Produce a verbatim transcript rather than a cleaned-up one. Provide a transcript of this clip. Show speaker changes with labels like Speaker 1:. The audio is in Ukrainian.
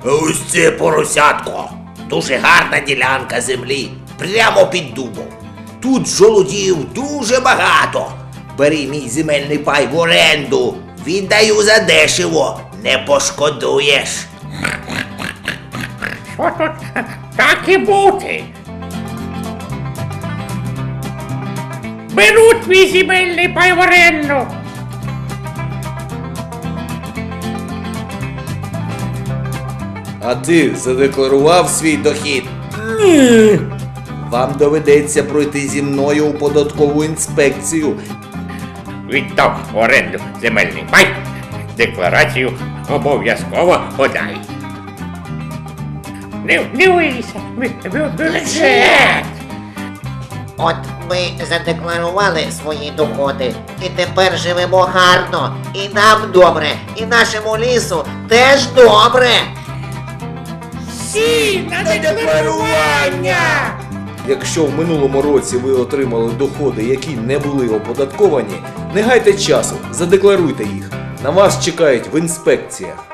Speaker 1: Ось це поросятко. Дуже гарна ділянка землі, прямо під дубом. Тут жолудів дуже багато. Бери мій земельний пай в оренду. Віддаю задешево, не пошкодуєш.
Speaker 2: Що тут так і бути? Беру твій земельний пай в оренду.
Speaker 1: А ти задекларував свій дохід?
Speaker 2: Ні.
Speaker 1: Вам доведеться пройти зі мною у податкову інспекцію.
Speaker 2: Віддав в оренду земельний пай. Декларацію обов'язково подай. Не дивися, бюджет.
Speaker 3: От ми задекларували свої доходи, і тепер живемо гарно, і нам добре, і нашому лісу теж добре.
Speaker 2: Всі на декларування!
Speaker 1: Якщо в минулому році ви отримали доходи, які не були оподатковані, не гайте часу, задекларуйте їх. На вас чекають в інспекціях.